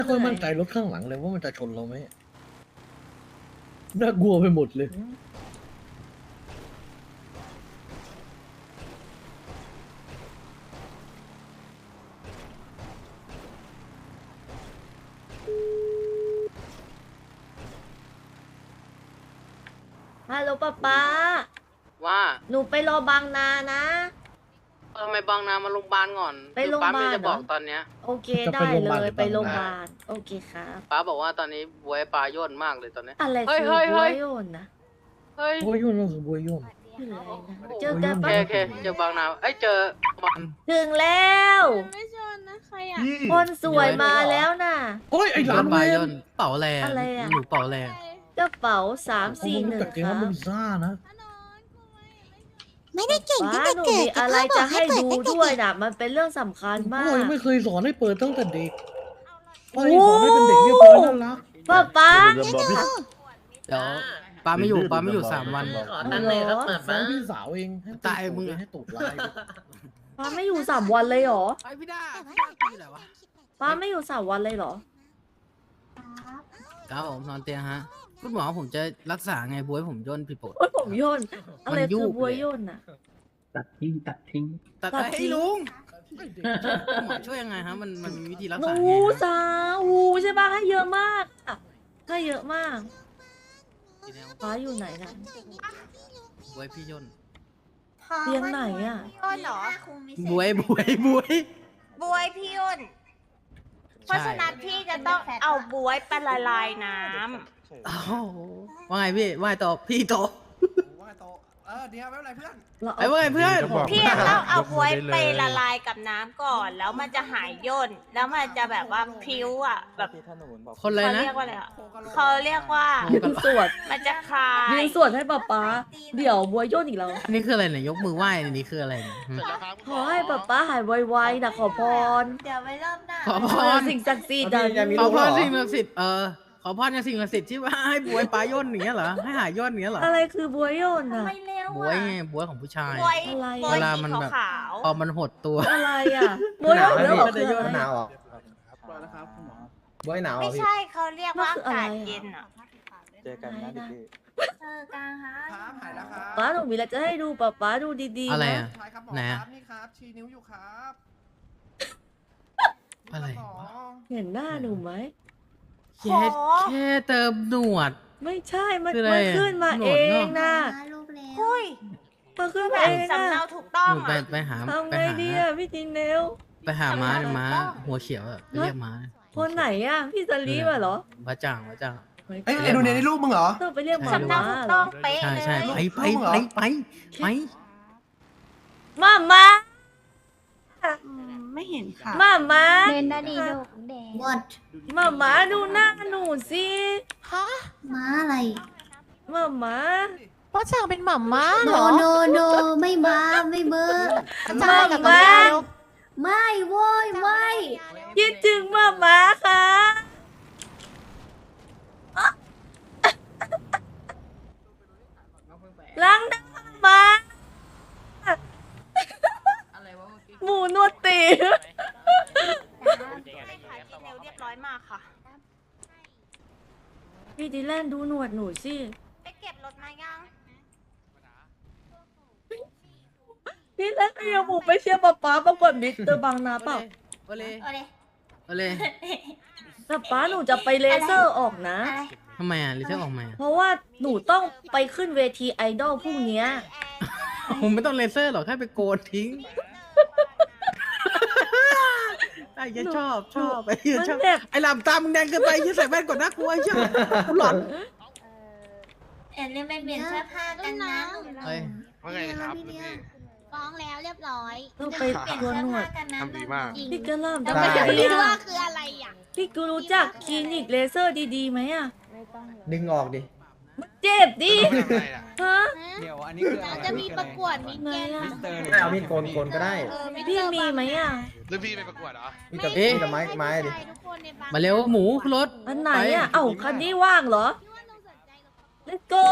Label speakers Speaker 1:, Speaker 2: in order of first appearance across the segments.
Speaker 1: ไม่ค่อยมั่นใจรถข้างหลังเลยว่ามันจะชนเราไหมน่ากลัวไปหมดเลย
Speaker 2: ฮัลโหลป๊าป๊า
Speaker 3: ว่า
Speaker 2: หนูไปรอบางนานะ
Speaker 3: ทำไมบางนามาโรงพยาบาลก่อน
Speaker 2: ไปโรงพยาบาล
Speaker 3: ป้าไม่ได้บอก
Speaker 2: เหรอ
Speaker 3: ตอนเนี้ย
Speaker 2: โอเค
Speaker 1: จะ
Speaker 2: ได้
Speaker 1: ไปโรงพยาบาล
Speaker 2: เล
Speaker 1: หรื
Speaker 2: ย
Speaker 1: อ
Speaker 2: ไปโรงพ
Speaker 1: บาง
Speaker 2: ยา
Speaker 1: นา
Speaker 2: บาลโอเคครับ
Speaker 3: ป้าบอกว่าตอนนี้บวยปลาย่นมากเลยตอนเนี้ย
Speaker 2: อะไร
Speaker 3: เฮ้ย
Speaker 2: คือ
Speaker 3: เฮ้ย
Speaker 2: บั
Speaker 3: เฮ้
Speaker 2: วย โยนนะ
Speaker 3: เฮ้ย
Speaker 1: บัวยุ่นก็คือบัวยุ่น
Speaker 2: คืออะไรนะ
Speaker 3: โอ้โห
Speaker 2: เจอกัน
Speaker 3: โอ
Speaker 2: ปะ
Speaker 3: เคโอเคเจอบางนาเอ้ยเจอมัน
Speaker 2: ถึงแล้ว
Speaker 4: ไม่ชนนะใครอ่ะ
Speaker 2: คนสวยมาแล้วน่ะ
Speaker 1: โอ้ยไอ้หลาน
Speaker 5: บา
Speaker 1: เวย
Speaker 5: อน นเป่าแรง
Speaker 2: อะไรอะ
Speaker 5: หนูเป่าแรง
Speaker 2: กระเป๋า
Speaker 1: ผมรู้จักเกม
Speaker 2: 341ค
Speaker 1: ว่า
Speaker 2: รับ
Speaker 1: มันซ่านะ
Speaker 4: ไม่ได้เก่งตั้ง
Speaker 2: ป้า
Speaker 4: แต่
Speaker 2: หนู
Speaker 4: เกิด
Speaker 2: มี
Speaker 4: แต่
Speaker 2: อะไร
Speaker 4: พ่อบอก
Speaker 2: จะ
Speaker 4: ให้
Speaker 2: ให้
Speaker 4: เปิด
Speaker 2: ดู
Speaker 4: ตั้งแต่
Speaker 2: ด้วย
Speaker 4: เด็ก
Speaker 2: นะมันเป็นเรื่องสำคัญมา
Speaker 1: พ่อยัง
Speaker 2: ก
Speaker 1: ไม่เคยสอนให้เปิดตั้งแต่เด็กพ่อยังสอนให้เป็นเด็กเรียบร้อยน่ารัก
Speaker 2: ป๊าป๊า
Speaker 5: เดี๋ยวปาไม่อยู่3 วัน
Speaker 3: ขอตั้งเลยครับเปิด
Speaker 1: ฟ้อ
Speaker 3: มาง
Speaker 1: พี่สาวเองให้
Speaker 5: ตายมึง
Speaker 1: ให้ตูดลาย
Speaker 2: ป้าไม่อยู่3 วันเลยเหรอ
Speaker 5: ไอพี่ด้า
Speaker 4: แต่
Speaker 5: พี่ไหนวะ
Speaker 2: ป้าไม่อยู่3 วันเลยเหรอ
Speaker 5: ครับผมนอนเตียงฮะคุณหมอผมจะรักษาไงบวยผมย่นผิดปกติ
Speaker 2: โอ้ยผมโยนอะไร
Speaker 5: มันยุ
Speaker 2: คื
Speaker 5: บ
Speaker 2: อบัว
Speaker 5: เลย
Speaker 2: โยนน่ะ
Speaker 5: ตัด
Speaker 2: ตัดทิ้
Speaker 5: ให้
Speaker 2: ง
Speaker 5: ลุงคุณหมอช่วยยังไงฮะมันมีวิธีรัก
Speaker 2: ห
Speaker 5: ษา
Speaker 2: นู
Speaker 5: ไงฮะ
Speaker 2: สาวหูใช่ปะให้เยอะมากอะให้เยอะมากป้าอยู่ไหนน่ะ
Speaker 5: บวยพี่ย่น
Speaker 2: เตียงไหนอ่ะ
Speaker 4: พี่อ้นเหรอบ
Speaker 5: วย
Speaker 4: บวยพี่อ้นเพราะฉะนั้นพี่จะต้องเอาบวยไปละลายน้
Speaker 5: อ้าวว่าไงพี่ว่าไงต่อพี่โต
Speaker 6: ว่าโตเดี๋ยวไม่เป็นไรเพื่อน
Speaker 2: เรา
Speaker 5: ไอ้ว่าไงเพื่อน
Speaker 4: ำพี่จะต้องเอาบวยไปละลายกับน้ำก่อน แล้วมันจะหายย่นแล้วมันจะแบบว่าพิ้วอ่ะแบบ
Speaker 5: คนเลย
Speaker 4: เขา
Speaker 5: นะ
Speaker 4: เรียกว่าอะไรอ่ะเขาเรียกว่า
Speaker 2: ยืนสวด
Speaker 4: มันจะคลาย
Speaker 2: ยืนสวดให้ป้าป๊าเดี๋ยวบัวโยนอีกแล้ว
Speaker 5: อันนี้คืออะไรเนี่ยยกมือไหว้อันนี้คืออะไรเนี่ย
Speaker 2: ขอให้ป้าป๊าหายไวๆนะขอพร
Speaker 4: เดี๋ยวไปเริ่มหน้า
Speaker 5: ขอพ
Speaker 2: ขอ
Speaker 5: ร
Speaker 2: สิ่งศักดิ์สิทธิ์อะ
Speaker 5: ขอพรสิ่งศักดิ์สิทธิ์ขอพรในสิ่งศักดิ์สิทธิ์ที่ว่าให้บวยปลาย่นอย่างเงี้ยเหรอให้หายย่นอย่างเงี้ยเหรอ
Speaker 2: อะไรคือบัวโยนอ่ะ
Speaker 4: ไม่เร็ว
Speaker 5: บวย
Speaker 4: อ่ะ
Speaker 5: ไงบวยของผู้ชาย
Speaker 4: บวย
Speaker 2: อะไร
Speaker 4: บวย
Speaker 5: เวลา
Speaker 4: สี
Speaker 5: มันแบบ
Speaker 4: ขาว
Speaker 5: พอมันหดตัว
Speaker 2: อะไรอ่ะบัวโยนแล้วเหรอคืออะไร
Speaker 6: หนาว
Speaker 2: อะ
Speaker 6: บอยหนาว
Speaker 4: ๆไม่ใช่เขาเรียกว่าอากาศเย็นอ่ะ
Speaker 7: เจอกันนะดิพี่
Speaker 4: เจอกันฮะ
Speaker 6: ครับหายแล้วครับ
Speaker 2: ป้าหนูมีอะไรจะให้ดูป้าป๊าดูดีๆ
Speaker 5: อะไร
Speaker 2: นะ
Speaker 5: อ่ะ
Speaker 6: ใช่ครับหมอ
Speaker 5: ไหน
Speaker 6: ค
Speaker 5: อะ
Speaker 6: รับนี่ครับชี้นิ้วอยู่ครับ
Speaker 5: อะไร
Speaker 6: หมอ
Speaker 2: เห็นหน้าหนูไหม
Speaker 5: แค่แค่เติมหนวด
Speaker 2: ไม่ใช่มัน
Speaker 5: คืออะไร
Speaker 2: มัน
Speaker 5: อะ
Speaker 2: ขึ้นมา
Speaker 5: โหน
Speaker 2: เอ
Speaker 5: ดเนอะ
Speaker 2: งนะ
Speaker 4: หุ้ย
Speaker 2: มันขึ้น
Speaker 4: แบ
Speaker 2: มา
Speaker 4: บ
Speaker 2: เอง
Speaker 4: สำ
Speaker 2: นะ
Speaker 4: เนาถูกต้อง
Speaker 5: หนูไป
Speaker 4: อ่ะ
Speaker 5: ไปหา
Speaker 2: ทำ
Speaker 5: ไป
Speaker 2: ไง
Speaker 5: หา
Speaker 2: ดีอ่ะพี่จีเนล
Speaker 5: ไปหาม้าเนี่ยม้าหัวเขียวอะไปเรียกม้า
Speaker 2: คนไหนอ่ะพี่สลีมาเหรอ
Speaker 5: พระจ่างพระจ่าง
Speaker 6: เอ้ยไอ้ดูเนี่ยในรูปมึงเหรอ
Speaker 2: ต้องไปเรียกหมอ
Speaker 5: ใช่
Speaker 4: สำเนา
Speaker 2: มา
Speaker 4: ถูก
Speaker 2: เหร
Speaker 4: ต้
Speaker 2: อ
Speaker 4: องเป๊ะ
Speaker 5: ใช่
Speaker 4: เล
Speaker 5: ใช่
Speaker 4: ย
Speaker 5: ไป
Speaker 2: มา
Speaker 4: ไม่เห็นค่ะ
Speaker 2: มา
Speaker 8: เดินได้ดีลูกแดง
Speaker 2: มาดูหน้าหนูสิ
Speaker 8: ม้าอะไร
Speaker 2: มา
Speaker 4: พ่อช่างเป็นหม่ำม้า
Speaker 8: โน
Speaker 4: เหรอ
Speaker 8: โนโนไม่ม้าไม่เบอร์
Speaker 4: ช่างกับ
Speaker 2: มา
Speaker 8: ไม่โว้ยไม่
Speaker 2: คิดถึงมาค่ะล้างหน้ามาหมูนวดตี
Speaker 4: ให้ขายทีเร็วเรียบร้อยมากค่ะ
Speaker 2: พี่ดิแลนดูหนวดหนูสิ
Speaker 4: ไปเก็บรถมายัง
Speaker 2: พี่แลนเอาหมูไปเชียร์ป๊าป๊าประกวดมิสเตอร์บางนาเปล่า
Speaker 5: โอเล
Speaker 4: เอาเลย
Speaker 5: โอเล
Speaker 2: แต่ป๊าหนูจะไปเลเซอร์ออกนะ
Speaker 4: อะไร
Speaker 5: ทำไมอ่ะลิเทอร์ออกมา
Speaker 2: เพราะว่าหนูต้องไปขึ้นเวทีไอดอลพรุ่งเนี้ย
Speaker 5: ผมไม่ต้องเลเซอร์หรอกแค่ไปโกนทิ้งไอ้เหี้ยชอบไอ้เหี้ยชอบ
Speaker 2: มันแบบ
Speaker 5: ไอ้ลำตามึงแดงเกินไปยี่ใส่แว่นก่อนนะกลัวไอ้เหี้ยกูหลอน
Speaker 8: เรียกไปเปลี่ยนเสื้อผ้ากันนะ
Speaker 5: เฮ้ย
Speaker 7: ว่าไงครับพี่
Speaker 8: ฟ้องแล้วเรียบร้อย
Speaker 2: ต้องไปโกนหนวด
Speaker 7: ทำดีมาก
Speaker 2: พี่กระหล่ำ
Speaker 8: แต่
Speaker 2: ทำ
Speaker 8: ไม่
Speaker 2: ไม
Speaker 8: อยาก
Speaker 2: ดี
Speaker 8: รู้ว่า
Speaker 2: อะ
Speaker 8: คืออะไรอ่ะ
Speaker 2: พี่กูรู้จักคลินิกเลเซอร์ดีๆไหมอะ
Speaker 6: ดึงออกดิ
Speaker 2: เจ็บดิฮะ
Speaker 7: เดี๋ยวอันนี้คืออะไร
Speaker 8: เราจะมีประกวดมีเกณฑ์
Speaker 2: ไหนอะ
Speaker 7: มิสเตอร์
Speaker 6: ไม่เอามีดโกนก็ได้
Speaker 2: พี่มีไหมอะ
Speaker 7: แล้วพี่ไปประกวดเหรอ
Speaker 6: มีแต่ไม้ดิ
Speaker 8: ทุกคนในบ้าน
Speaker 5: มาเร็วหมูขึ้นรถ
Speaker 2: อันไหนอะเอ้าคันนี้ว่างเหรอ Let's go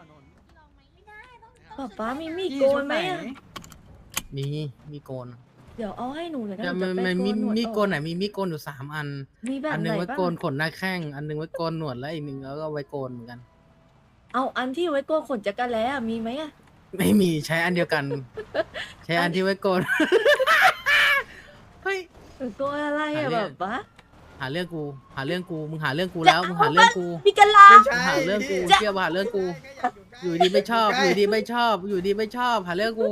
Speaker 2: ป๊าป๊ามีมีดโกนไหมอะ
Speaker 5: มีโกน
Speaker 2: เดี๋ยวเอาให้หนูเลยนะ
Speaker 5: แต่
Speaker 2: หนู
Speaker 5: มัน
Speaker 2: จะไป
Speaker 5: มันมี
Speaker 2: โกนหนวดออก
Speaker 5: มีโกนไหนมีมีโกนอยู่3 อัน
Speaker 2: มีแบบ
Speaker 5: อันห
Speaker 2: ไห
Speaker 5: นึ
Speaker 2: น
Speaker 5: งไว้
Speaker 2: บ้าง
Speaker 5: โกนขนหน้าแข้ง อันหนึงไว้โกนหนวดแล้วอีกหนึ่งแล้วก็ไว้โกนเหมือนกัน
Speaker 2: เอาอันที่ไว้โกนขนจักรแล้อะมีไหมอะ
Speaker 5: ไม่มีใช้อันเดียวกัน ใช้อันที่ไว้โกน เฮ้ย
Speaker 2: หนูโกนอะไร
Speaker 5: หา
Speaker 2: อะ
Speaker 5: เรื่
Speaker 2: แบ
Speaker 5: อง
Speaker 2: บวะ
Speaker 5: หาเรื่องกูหาเรื่องกูมึงหาเรื่องกูแล้วมึงหาเรื่องกู
Speaker 2: มีกะลา
Speaker 6: ไม่ใช่
Speaker 5: หาเรื่องกูเชื่อว่าหาเรื่องกู อยู่ดีไม่ชอบ อยู่ดีไม่ชอบ อยู่ดีไม่ชอบหาเรื่องกู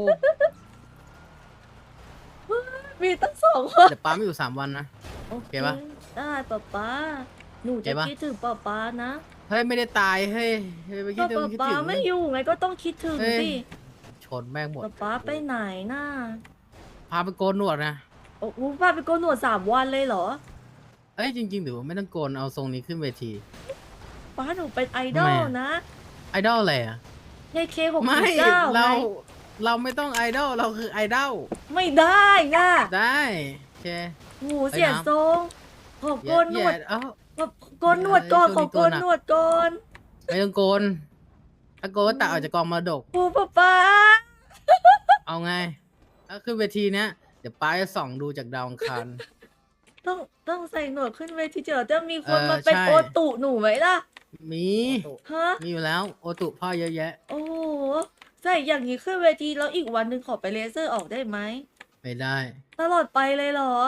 Speaker 2: มีตั้ง2 คน
Speaker 5: เดี๋ยวป้าไม่อยู่3 วันนะ
Speaker 2: โอเค
Speaker 5: เก็บปะ
Speaker 2: ได้ป๊าหนู
Speaker 5: เก็
Speaker 2: จะ
Speaker 5: บปะ
Speaker 2: คิดถึงป๊านะ
Speaker 5: เฮ้ยไม่ได้ตายเฮ้ยเฮ้ยไปคิ
Speaker 2: ก็
Speaker 5: ดถึงคิด
Speaker 2: ป๊า
Speaker 5: ถึง
Speaker 2: ไม่อยู่ไงก็ต้องคิดถึง
Speaker 5: เฮ้ย
Speaker 2: สิ
Speaker 5: ชนแม่งหมด
Speaker 2: ป๊าไปไหนน่ะ
Speaker 5: พาไปโกนหนวดนะ
Speaker 2: โอ้โหป้าไปโกนหนวด3 วันเลยเหรอ
Speaker 5: เอ้ยจริงๆหรือว่าไม่ต้องโกนเอาทรงนี้ขึ้นเวที
Speaker 2: ป้าหนูเป็นไอดอล
Speaker 5: ทำไมอะ
Speaker 2: นะ
Speaker 5: ไอดอลอะไรอ่ะ
Speaker 2: ในเค69
Speaker 5: ไม่
Speaker 2: ไง
Speaker 5: เราไม่ต้องไอดอลเราคือไอดอล
Speaker 2: ไม่ได้น่ะ
Speaker 5: ได้โอเค
Speaker 2: โหูเสียทรงขอโกนหนวด
Speaker 5: เอ้า
Speaker 2: ขอโกนหนวดก่อน
Speaker 5: เอ้ย
Speaker 2: ขอโกน
Speaker 5: ช่วงนี้
Speaker 2: หนวดก่อน
Speaker 5: ไม่ต้องโกนถ้าโกนก็ตัดออกจากกองมรดก
Speaker 2: โอ้ป๊า
Speaker 5: เอาไงถ้าขึ้นเวทีเนี้ยเดี๋ยวป้าจะส่องดูจากดาวอังคาร
Speaker 2: ต้องใส่หนวดขึ้นเวทีเจอจะมีคน
Speaker 5: เออ
Speaker 2: มาเป็น
Speaker 5: ใช่
Speaker 2: โอตุหนูไหมล่ะ
Speaker 5: มี
Speaker 2: ฮะ
Speaker 5: มีอยู่แล้วโอตุพ่อเยอะแยะ
Speaker 2: โอ้โหใส่อย่างนี้ขึ้นเวทีแล้วอีกวันหนึ่งขอไปเลเซอร์ออกได้ไหม
Speaker 5: ไม่ได้
Speaker 2: ตลอดไปเลยเหรอ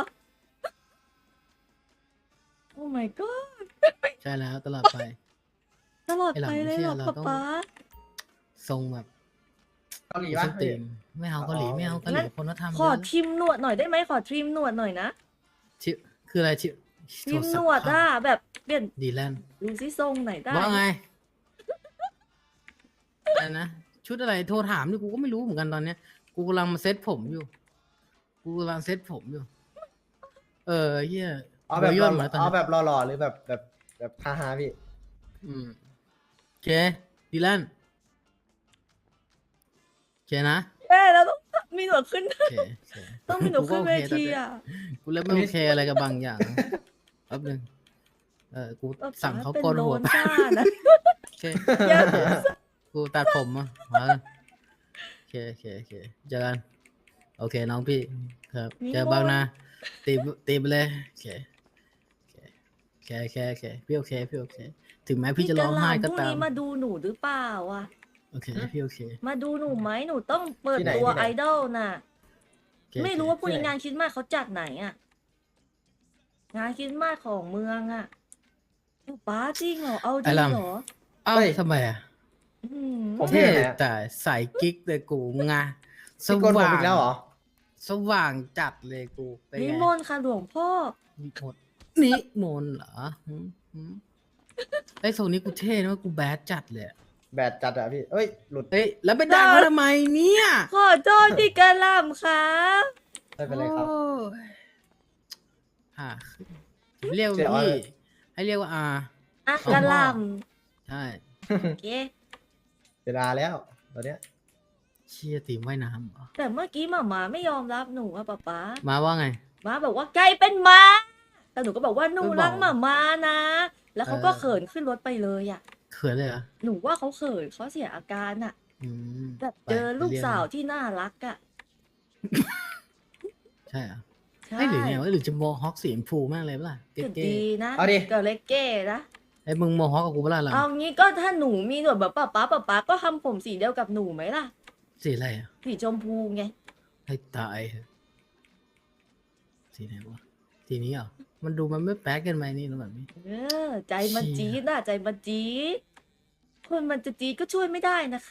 Speaker 2: โอ้ my god
Speaker 5: ใช่แล้วตลอดไป
Speaker 2: ตลอด
Speaker 5: ไอ้หลั
Speaker 2: ไป
Speaker 5: ง
Speaker 2: เลย
Speaker 5: เชื่
Speaker 2: เหร
Speaker 5: อ
Speaker 2: อ
Speaker 5: เราต้อง
Speaker 2: ป๊า
Speaker 5: ทรงแบบ
Speaker 6: เกาหลี
Speaker 5: ส
Speaker 6: ปะ
Speaker 5: ตรีมไม่เอาเกาหลีไม่เอาเกาหลีคนก็ทำ
Speaker 2: ขอ
Speaker 5: เยอะ
Speaker 2: ทิมหนวดหน่อยได้ไหมขอทริมหนวดหน่อยนะ
Speaker 5: ชิคืออะไรชิ
Speaker 2: ทริมหนวดอ่ะแบบเปลี่ยน
Speaker 5: ดีแลนด์
Speaker 2: ดูซิทรงไหนได้
Speaker 5: ว่าไงอะไรนะชุดอะไรโทรถามนี่กูก็ไม่รู้เหมือนกันตอนเนี้ย กูกำลังมาเซ็ตผมอยู่ กูกำลังเซ็ตผมอยู่ เฮีย
Speaker 6: เอาแบบ
Speaker 5: หัวย่นเหรอตอน
Speaker 6: เอา
Speaker 5: นี้
Speaker 6: แบบหล่อๆหรือแบบฮาๆพี่
Speaker 5: อืมโอเคดีแลนด์โอเคนะ
Speaker 2: เราต้องมีหนวดขึ้น
Speaker 5: โอเคโอเค
Speaker 2: ต้องมีหนวดขึ้นเวทีอ่ะ
Speaker 5: กูเริ่มไม่โอเคอะไรกับบางอย่างแป๊บนึงกู
Speaker 2: ป๊า
Speaker 5: สั่งเขา
Speaker 2: เป็น
Speaker 5: โกน
Speaker 2: โล
Speaker 5: หัวน ไป
Speaker 2: จ้านะ
Speaker 5: โอเค
Speaker 2: อย่า
Speaker 5: กูตัดผมอ่ะมาโอเคโอเคโอเคเจอกันโอเคน้องพี่ครับเจอบางนะตีไปเลยโอเคโอเคโอเคโอเคโอเคพี่โอเคพี่โอเค ถึงแม้พี่จะร้องไห้ก็
Speaker 2: พรุ่ง
Speaker 5: ตาม
Speaker 2: นี้มาดูหนูหรือเปล่าอ่ะ
Speaker 5: โอเคพี่โอเค
Speaker 2: มาดูหนูไหมหนูต้องเปิด
Speaker 6: ที่ไหน
Speaker 2: ตัว
Speaker 6: ที่ไหน
Speaker 2: ไอดอลน่ะ
Speaker 5: โอเค
Speaker 2: ไม่รู้ว่าพรุ่งนี้
Speaker 6: ที่ไหน
Speaker 2: งานคริสต์มาสเขาจัดไหนอ่ะ งานคริสต์มาสของเมืองอ่ะป้าจริงเหรอ เอาจริงเหรอ
Speaker 5: เอ้า
Speaker 6: เฮ้ย
Speaker 5: ทำไมอ่ะ
Speaker 2: อืม
Speaker 6: ผม
Speaker 5: เท่
Speaker 6: เห็นนะ
Speaker 5: แต่ใส่กิ๊กเลยกูงาส
Speaker 6: พี่โกนผม
Speaker 5: ว่าง
Speaker 6: อีกแล้วเหรอ
Speaker 5: สว่างจัดเลยกูเป็น
Speaker 2: นิ
Speaker 5: ไง
Speaker 2: มนต์ค่ะหลวงพ่อ
Speaker 5: นิมนต์นิมนต์เหรอไอ้ยทรงนี้กูเท่นะว่ากูแบดจัดเลยอะ
Speaker 6: แบดจัดอะพี่เอ้ยหลุด
Speaker 5: เฮ้ยแล้วไปด่าเขาทำไมเนี่ย
Speaker 2: ขอโทษที่กระหลำค่ะ
Speaker 6: ไม่เป็นไรครับ
Speaker 5: โอ้ยเรียกว่า
Speaker 6: เสีย
Speaker 5: พี่
Speaker 6: อะไร
Speaker 5: ให้เรียกว่าอา
Speaker 2: อ่ะ
Speaker 5: ของ
Speaker 2: กระหล
Speaker 5: พ่อ ใช่
Speaker 2: ำโอเค
Speaker 6: เวลาแล้วตอนเนี้ย
Speaker 5: เชียตีมว่ายน้ำเหรอ
Speaker 2: แต่เมื่อกี้หมาไม่ยอมรับหนูอะป๊า
Speaker 5: มาว่าไง
Speaker 2: ม้าบอกว่าไก่เป็นม้าแต่หนูก็บอกว่าหนู
Speaker 5: ไม่บอก
Speaker 2: รักหมานะ แล้วเขาก็
Speaker 5: เออ
Speaker 2: เขินขึ้นรถไปเลยอ่ะ
Speaker 5: เขินเลยเหรอ
Speaker 2: หนูว่าเขาเขินเขาเสียอาการอ่ะ
Speaker 5: อืม
Speaker 2: แบบ
Speaker 5: ไป
Speaker 2: เจอลูก
Speaker 5: เรียน
Speaker 2: สาวที่น่ารักอ่ะ
Speaker 5: ใช่เหรอ
Speaker 2: ใช่
Speaker 5: ไอ้ยหรือไงวะหรือจะโมฮอคสีชมพูมากเลยปะล่ะ
Speaker 2: ก็
Speaker 5: เก๋
Speaker 2: ดีนะ
Speaker 6: เอาดิ
Speaker 2: ก็เล็กเก้นะ
Speaker 5: ๆไอ้ยมึงโมฮอคกับกูปะล่ะหลัง
Speaker 2: เอางี้ก็ถ้าหนูมีหนวดแบบป๊าก็ทำผมสีเดียวกับหนูไหมล่ะ
Speaker 5: สีอะไรอ่ะ
Speaker 2: สีชมพูไง
Speaker 5: ให้ตายเถอะสีไหนวะสีนี้เหรอมันดูมันไม่แป๊กเกันไหมนี่แล้วแบบนี้
Speaker 2: ใจมัน
Speaker 5: เชี่ย
Speaker 2: จี๊ดน่ะใจมันจี๊ดคนมันจะจี๊ดก็ช่วยไม่ได้นะคะ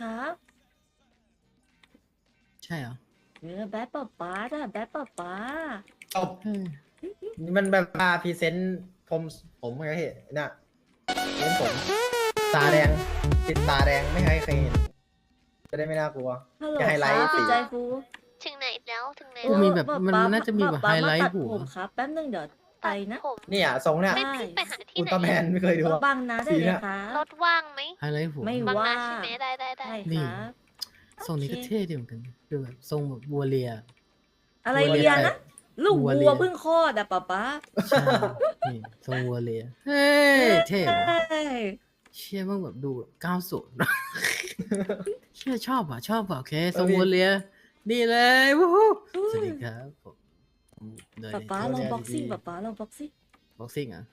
Speaker 5: ใช่เหรอ
Speaker 2: แบดป๊าน่ะแบดป๊า
Speaker 6: จบนี่มันแบบมาพรีเซนต์ผมไงพี่เนี่ยเล่นผมตาแดงติดตาแดงไม่ให้ใครเห็นจะได้ไม่น่ากลัว
Speaker 2: ฮัลโหล
Speaker 6: จะไฮไลท์
Speaker 2: ครับ
Speaker 6: สี
Speaker 2: ใจฟู
Speaker 8: ถึงไหนแล้วถึงไหน
Speaker 5: กู
Speaker 8: แล้ว
Speaker 5: มีแบบมันน่าจะมีแบบไฮไลท์
Speaker 2: ป๊า
Speaker 5: หัว
Speaker 2: มาตัดผมครับแป๊บนึงเดี๋ยวไปนะ
Speaker 8: ผม
Speaker 6: เนี่ยทรงเนี่ย
Speaker 8: ไม่ไปหาที่
Speaker 6: อุล
Speaker 8: ไหน
Speaker 6: ตร้าแมนไม่เคยดูอะ
Speaker 2: บังนะได้
Speaker 6: สี
Speaker 2: เล
Speaker 6: เนี่ย
Speaker 2: ยค่ะ
Speaker 8: รถว่างไหม
Speaker 5: ไฮไลท์หัว
Speaker 2: ไม่
Speaker 8: บาง
Speaker 2: ว่า
Speaker 8: นาใช่ไหมได้ได้ได้
Speaker 2: ใช่
Speaker 5: นี่
Speaker 2: ครับ
Speaker 5: ทรงนี้ก็
Speaker 2: โอเค
Speaker 5: เท่ดีเหมือนกันดูแบบทรงแบบบัวเรีย
Speaker 2: อะไร
Speaker 5: วัวเลี
Speaker 2: เลี
Speaker 5: ย
Speaker 2: ยนะ ลูก
Speaker 5: วัวเลี
Speaker 2: วัวย เพิ่งคลอดอะป๊า
Speaker 5: ใช่นี่ทรงบัวเรียเฮ้ยเท่ว่ะ
Speaker 2: ใช่
Speaker 5: เชี่ยมึงแบบดูแบบ90 เชี่ยชอบอ่ะโอเคทรงบัวเรียดีเลยวู้ฮู้สวัสดีครับผมเดิน
Speaker 2: ป๊าลองบ็อกซิ่งป๊าลองบ็อกซิ่ง
Speaker 5: บ็อกซิ่งอ่ะ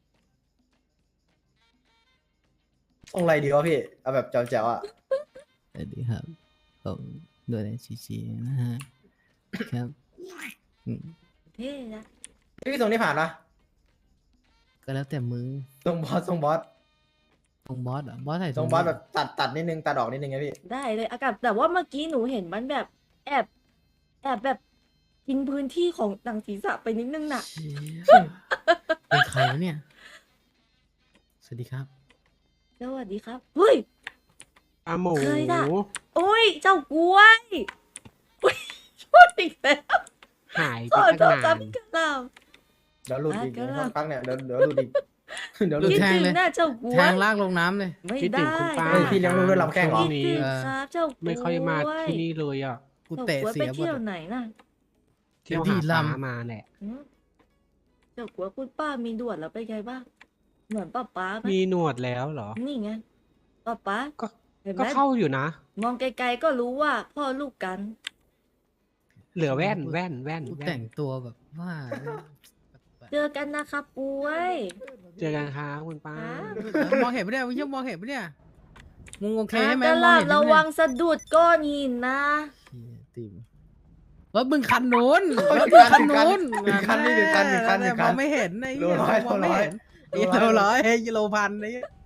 Speaker 6: ทรงอะไรดีวะพี่ เอาแบบแจ๋วๆอ่ะ
Speaker 5: สวัสดีครับผมโดยในชีนะฮะครับอืม
Speaker 2: เท่นะ
Speaker 6: พี่ทรงนี้ผ่านปะ
Speaker 5: ก็แล้วแต่มึง
Speaker 6: ทรงบอส
Speaker 5: ตรงบอสเหรอ่ะบอสใส่
Speaker 6: ทรงบอสแบบตัดนิดนึงตัดออกนิดนึงไงพี่
Speaker 2: ได้เลยอากาศแต่ว่าเมื่อกี้หนูเห็นมันแบบแอบแบบกินพื้นที่ของหนังศีรษะไปนิดนึงน่ะ
Speaker 5: เชี่ยเป็นใครวะเนี่ย สวัสดีครับ
Speaker 2: สวัสดีครับเฮ้ย
Speaker 7: อาหมู
Speaker 2: เคยด่ะ โอ้ยเจ้ากล้วยอุ๊ยพูดอีกแล้ว
Speaker 7: หาย
Speaker 2: ข
Speaker 7: ไป
Speaker 2: อโท
Speaker 7: ตั้
Speaker 2: ษ
Speaker 7: ง
Speaker 2: ครั
Speaker 7: นา
Speaker 2: บ
Speaker 7: น
Speaker 2: พี่กะลา
Speaker 6: เดี๋ยวหลุดอีก
Speaker 2: ก็ได้
Speaker 6: สักพักเนี่ยเดี๋ยวหลุดอีก เดี๋ยวหลุด
Speaker 2: คิด
Speaker 5: แทง
Speaker 2: ถึง
Speaker 5: เลย
Speaker 2: หน้าเจ้ากล้ว
Speaker 5: แท
Speaker 2: ย
Speaker 5: งลากลงน้ำเลย
Speaker 2: ไม่
Speaker 7: คิดถึ
Speaker 2: ได้
Speaker 7: งคุณป้า
Speaker 6: เฮ้ยพี่เลี้ยงลูกด้วยลำแข้งเหรอ
Speaker 2: คิดถึงครับเจ้ากล้วย
Speaker 7: ไม่ค่อยมาที่นี่เลยอ่ะ
Speaker 5: กู
Speaker 2: เจ้า
Speaker 5: เตะ
Speaker 2: กล้วย
Speaker 5: เสี
Speaker 2: ไป
Speaker 5: ยหมด
Speaker 2: เที่ยว
Speaker 5: อะ
Speaker 2: ไหนน่ะ
Speaker 7: เที่ยว
Speaker 5: เดี๋ยว
Speaker 7: หา
Speaker 5: พี่
Speaker 7: ปลา
Speaker 5: ลำ
Speaker 7: มาแหละ
Speaker 2: หืมเจ้ากล้วยคุณป้ามีด่วนแล้วเป็นไงบ้างเหมือนป้าไหม
Speaker 7: มีหนวดแล้วเหรอ
Speaker 2: นี่ไงป้า
Speaker 7: ก็
Speaker 2: เห็นไห
Speaker 7: ก็
Speaker 2: ม
Speaker 7: เข้าอยู่นะ
Speaker 2: มองไกลๆก็รู้ว่าพ่อลูกกัน
Speaker 7: เหลือแว่น
Speaker 5: กูแต่งตัวแบบว่า
Speaker 2: เจอกันนะครับกล้วย
Speaker 7: เจอกันครับคุณป้า
Speaker 5: มองเห็นปะเนี่ยมึงยังมองเห็นปะเนี่ยมึงโอเค
Speaker 2: อ่ะ
Speaker 5: ใช่ไหม
Speaker 2: ต
Speaker 5: มอง
Speaker 2: ลาด
Speaker 5: เห็น
Speaker 2: ระ
Speaker 5: ใช่ไหม
Speaker 2: วังสะดุดก้อนหินนะ
Speaker 5: เชี่ยติมรถมึงคันนู้นรถ
Speaker 6: ถึ
Speaker 5: มึ
Speaker 6: ง
Speaker 5: ง
Speaker 6: คั
Speaker 5: คั
Speaker 6: น
Speaker 5: นนู้น
Speaker 6: ถึงคันนี่ถึงคัน
Speaker 5: มองไม่เห็นไอ้เหี้ย
Speaker 6: โลร้อย
Speaker 5: มองไม่เห็น
Speaker 6: โลร้อย
Speaker 5: กิโลร้อยกิโลพันไอ้เหี้ย